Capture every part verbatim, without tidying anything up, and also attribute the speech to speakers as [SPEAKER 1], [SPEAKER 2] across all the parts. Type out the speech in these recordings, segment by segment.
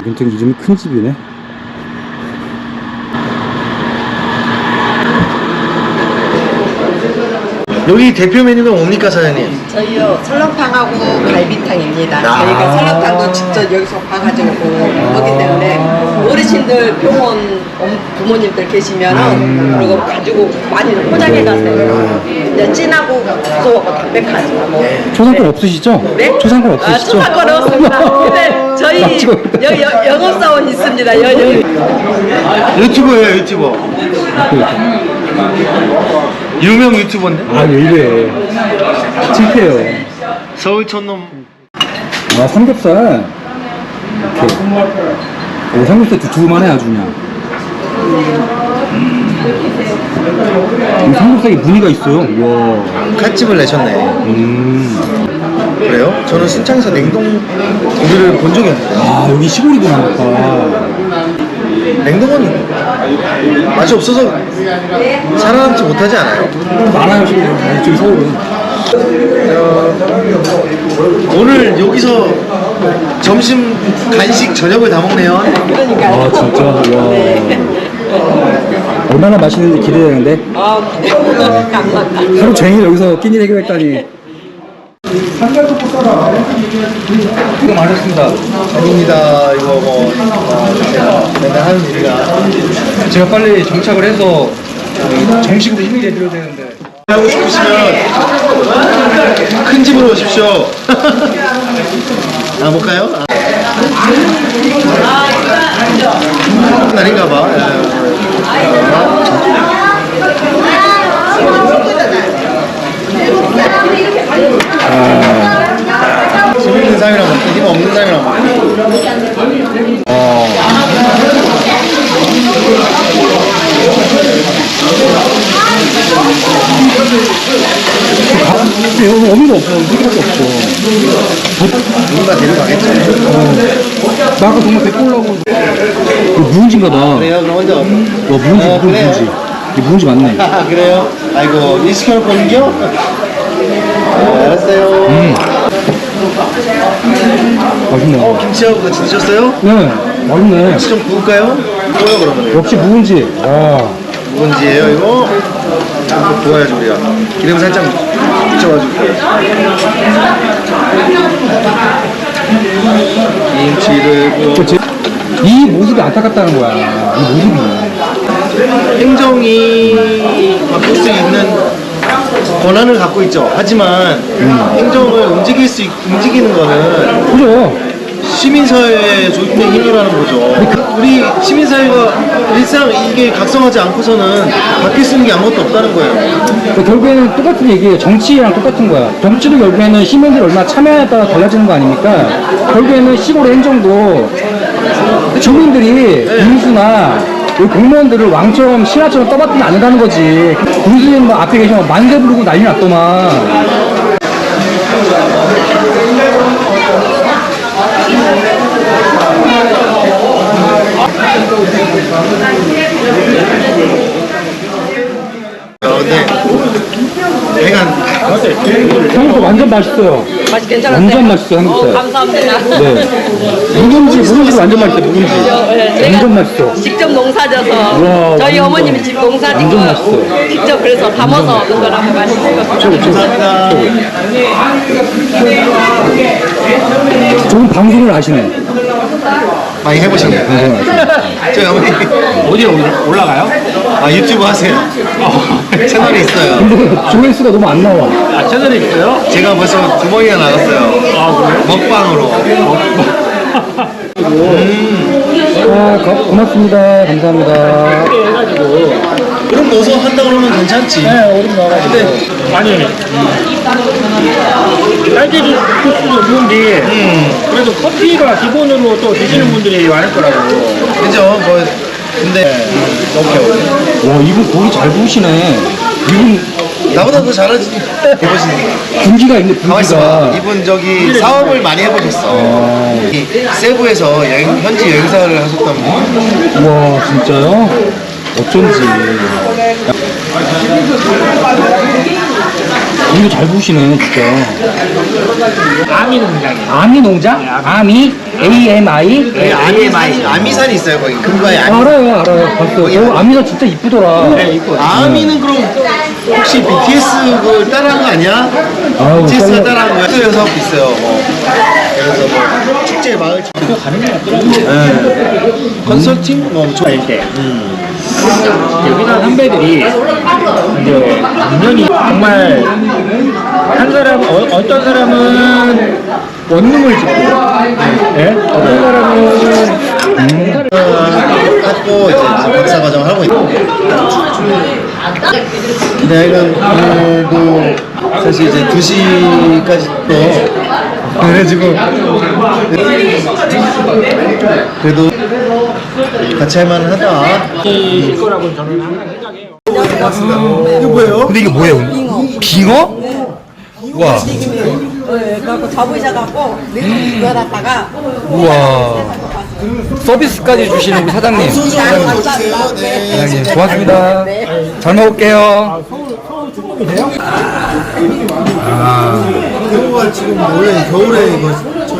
[SPEAKER 1] 굉장히 이름이 큰 집이네.
[SPEAKER 2] 여기 대표 메뉴가 뭡니까, 사장님?
[SPEAKER 3] 저희요 설렁탕하고 갈비탕입니다.
[SPEAKER 2] 아
[SPEAKER 3] 저희가 설렁탕도 직접 여기서 봐가지고 하기 때문에 어르신들 병원 엄- 부모님들 계시면은 그리고 가지고 많이 포장해 가세요. 이제 진하고 고소하고 담백하죠. 뭐.
[SPEAKER 1] 초상권 없으시죠?
[SPEAKER 3] 네?
[SPEAKER 1] 초상권
[SPEAKER 3] 아,
[SPEAKER 1] 없으시죠?
[SPEAKER 3] 초상권 없습니다. 근데 저희 여, 여, 영업사원 있습니다. 여, 여.
[SPEAKER 2] 유튜버예요, 유튜버. 유명 유튜버인데?
[SPEAKER 1] 아, 왜 이래. 창피해요.
[SPEAKER 2] 서울 촌놈.
[SPEAKER 1] 아, 삼겹살. 이렇게. 오, 삼겹살 두툼하네, 아주 그냥. 음, 삼겹살에 무늬가 있어요. 와.
[SPEAKER 2] 칼집을 내셨네.
[SPEAKER 1] 음.
[SPEAKER 2] 그래요? 저는 순창에서 냉동 고기를 본 적이 없는데.
[SPEAKER 1] 아, 여기 시골이구나, 아까.
[SPEAKER 2] 냉동은 맛이 없어서 살아남지 못하지 않아요?
[SPEAKER 1] 많아요, 시골. 아, 이쪽이 서울은.
[SPEAKER 2] 오늘 여기서 점심, 간식, 저녁을 다 먹네요.
[SPEAKER 3] 그러니까.
[SPEAKER 1] 아, 진짜? 와. 얼마나 맛있는지 기대되는데.
[SPEAKER 3] 아, 감사합니다.
[SPEAKER 1] 하루 종일 여기서 끼니 해결했다니. 수고 많으셨습니다.
[SPEAKER 2] 아닙니다. 이거 뭐 어, 제가 맨날 하는 일이라.
[SPEAKER 1] 제가 빨리 정착을 해서 정식으로 힘이 내드려야 되는데.
[SPEAKER 2] 하고 싶으시면 큰 집으로 오십시오. 아, 볼까요? 아. 날인가 봐. 아. 힘 있는 사람이랑 먹고 힘 없는 사람이랑 먹고. 어.
[SPEAKER 1] 여기 어미가 없어. 어미밖에 없어.
[SPEAKER 2] 누군가 데려가겠죠.
[SPEAKER 1] 나 아까 정말 데리고 오려고. 이거 묵은지인가 봐.
[SPEAKER 2] 그래요? 그럼 혼자.
[SPEAKER 1] 와, 묵은지,
[SPEAKER 2] 아,
[SPEAKER 1] 이거
[SPEAKER 2] 그래요?
[SPEAKER 1] 묵은지. 이거 묵은지 맞네.
[SPEAKER 2] 아, 그래요? 아이고, 이 시켜놓을 거는요? 네, 알았어요.
[SPEAKER 1] 음. 맛있네.
[SPEAKER 2] 어, 김치하고 같이 드셨어요?
[SPEAKER 1] 네, 맛있네.
[SPEAKER 2] 김치 좀 구울까요? 구워요, 그러면.
[SPEAKER 1] 역시 묵은지. 와.
[SPEAKER 2] 묵은지예요, 이거? 좀 구워야죠, 우리가. 기름 살짝 묻혀가지고. 김치를 구워.
[SPEAKER 1] 그치? 이 모습이 안타깝다는 거야. 이 모습이.
[SPEAKER 2] 행정이 바꿀 수 있는 권한을 갖고 있죠. 하지만
[SPEAKER 1] 음.
[SPEAKER 2] 행정을 움직일 수 있, 움직이는 거는
[SPEAKER 1] 그죠?
[SPEAKER 2] 시민사회의 조직된 힘이라는 거죠. 우리 시민사회가 일상 이게 각성하지 않고서는 바뀔 수 있는 게 아무것도 없다는 거예요.
[SPEAKER 1] 그러니까 결국에는 똑같은 얘기예요. 정치랑 똑같은 거야. 정치도 결국에는 시민들이 얼마나 참여에 따라 달라지는 거 아닙니까? 결국에는 시골의 행정도 주민들이 군수나 여기 공무원들을 왕처럼 신하처럼 떠받들면 안 된다는 거지. 군수님 뭐 앞에 계시면 만세 부르고 난리 났더만.
[SPEAKER 2] 어, 근데 배가
[SPEAKER 1] 삼겹살 완전 맛있어요.
[SPEAKER 3] 맛이 괜찮았어요?
[SPEAKER 1] 완전 맛있어요, 삼겹살.
[SPEAKER 3] 어, 감사합니다.
[SPEAKER 1] 네. 묵은지, 묵은지 완전 맛있어요, 묵은지.
[SPEAKER 3] 네, 제가
[SPEAKER 1] 완전 맛있어.
[SPEAKER 3] 직접 농사져서
[SPEAKER 1] 우와,
[SPEAKER 3] 저희
[SPEAKER 1] 완전.
[SPEAKER 3] 어머님이 집 농사지고
[SPEAKER 1] 완전 맛있어요.
[SPEAKER 3] 직접 그래서 담아서 얻은 거라고 맛있어요.
[SPEAKER 2] 감사합니다.
[SPEAKER 1] 좋은 방송을 아시네.
[SPEAKER 2] 많이 해보셨네요.
[SPEAKER 1] 방송을 아시네.
[SPEAKER 2] 저희 어머니
[SPEAKER 4] 어디에 올라가요?
[SPEAKER 2] 아, 유튜브 하세요. 채널이 있어요.
[SPEAKER 1] 근데 조회수가 너무 안 나와.
[SPEAKER 4] 아, 채널이 있어요?
[SPEAKER 2] 제가 벌써 두 번이나 나갔어요.
[SPEAKER 4] 아, 그래요?
[SPEAKER 2] 먹방으로.
[SPEAKER 1] 아, 고, 고맙습니다. 감사합니다.
[SPEAKER 2] 그럼 넣어서 한다 그러면 괜찮지.
[SPEAKER 4] 네, 얼음 넣어가지고.
[SPEAKER 2] 근데
[SPEAKER 4] 아니, 딸기 주스도 좋은데,
[SPEAKER 2] 음,
[SPEAKER 4] 그래도 커피가 기본으로 또 드시는 분들이 많을 거라고.
[SPEAKER 2] 그죠. 뭐 근데 너무 겨워.
[SPEAKER 1] 와, 이분 고기 잘 구우시네. 이분
[SPEAKER 2] 나보다 더 잘하지. 해보시는.
[SPEAKER 1] 분기가 있네,
[SPEAKER 2] 가만 있어봐.
[SPEAKER 1] 분기가.
[SPEAKER 2] 이분 저기 사업을 많이 해보셨어. 이 세부에서 여행, 현지 여행사를 하셨다면.
[SPEAKER 1] 와, 진짜요? 어쩐지. 고기 잘 구우시네, 진짜.
[SPEAKER 4] 아미 농장이에요.
[SPEAKER 1] 아미 농장? 아미? A M I?
[SPEAKER 2] 네, 아미산, 아미산이 있어요 거기 금가에 아미.
[SPEAKER 1] 알아요, 알아요. 봤어요. 어, 아미가 진짜 이쁘더라.
[SPEAKER 4] 네, 있고.
[SPEAKER 2] 아미는 그럼 혹시 비티에스 그걸 따라한 거 아니야?
[SPEAKER 1] 아우,
[SPEAKER 2] 비티에스가
[SPEAKER 1] 썰려.
[SPEAKER 2] 따라한 거야? 또 사업도 있어요. 뭐. 그래서 뭐 축제 마을
[SPEAKER 4] 또 가는 게 없더라고요.
[SPEAKER 2] 네. 컨설팅 뭐 저-
[SPEAKER 4] 될 때. 여기서 선배들이 이제 인연이 정말 한 사람 어, 어떤 사람은 원룸을 짓고, 예? 어떤 사람은
[SPEAKER 2] 하고 이제 박사 과정을 하고 있고. 내가 오늘도 사실 이제 두 시까지 또 그래가지고 그래도 같이 할 만하다.
[SPEAKER 4] 일 거라고 저는 항상 생각해요.
[SPEAKER 2] 이거 뭐예요?
[SPEAKER 5] 근데 이게 뭐예요? 빙어? 우와,
[SPEAKER 3] 네, 그래갖고 잡으셔갖고 이거 갖다가
[SPEAKER 5] 우와. 서비스까지 주시는 우리 사장님. 사장님, 고맙습니다. 잘 먹을게요.
[SPEAKER 2] 이거가 지금 원래 겨울에 이거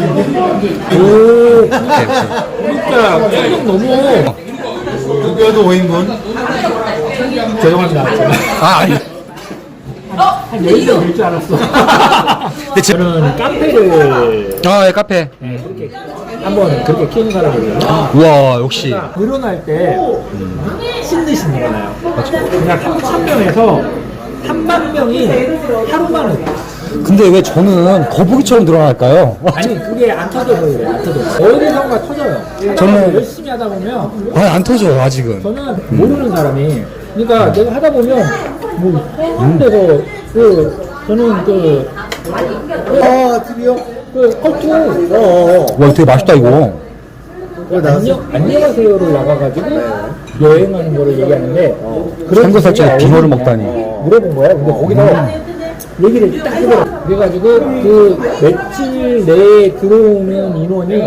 [SPEAKER 4] 진짜 조금 너무
[SPEAKER 2] 두개도 오 인분.
[SPEAKER 4] 죄송합니다.
[SPEAKER 5] 아, 아니.
[SPEAKER 4] 한 열 개 될 줄 알았어.
[SPEAKER 5] 근데 제...
[SPEAKER 4] 저는 카페를
[SPEAKER 5] 아, 예, 카페.
[SPEAKER 4] 네, 그렇게 한번 그렇게 키우는 사람이거든요.
[SPEAKER 5] 우와, 역시.
[SPEAKER 4] 늘어날 때 신듯이 늘어나요. 그냥 삼천 명에서 삼만 명이 하루만에.
[SPEAKER 5] 근데 왜 저는 거북이처럼 늘어날까요?
[SPEAKER 4] 아니 그게 안 터져서 그래요. 안 터져. 어디선가 터져요.
[SPEAKER 5] 저는-
[SPEAKER 4] 열심히 하다 보면
[SPEAKER 5] 아, 안 터져, 아직은.
[SPEAKER 4] 저는 모르는 사람이 그러니까 내가 하다 보면 뭐 처음 돼서 그 저는 그
[SPEAKER 2] 아 드디어.
[SPEAKER 4] 그 컬투
[SPEAKER 2] 어어.
[SPEAKER 5] 와, 되게 맛있다, 이거.
[SPEAKER 4] 안녕 안녕하세요를 나가가지고 여행하는 거를 얘기하는데 그런
[SPEAKER 5] 삼겹살집에
[SPEAKER 4] 분이
[SPEAKER 5] 빙어를
[SPEAKER 4] 어디냐
[SPEAKER 5] 먹다니.
[SPEAKER 4] 물어본 거야. 근데 거기서 얘기를 딱 하더라고. 그래가지고 그 며칠 내에 들어오는 인원이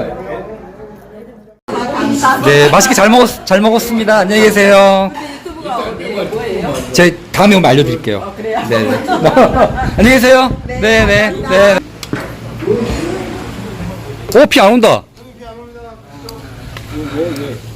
[SPEAKER 5] 네, 맛있게 잘 먹었, 잘 먹었습니다. 안녕히 계세요. 제 다음에 오면 알려드릴게요. 네, 네. 안녕히 계세요. 네, 네, 네. 어, 피 안 온다.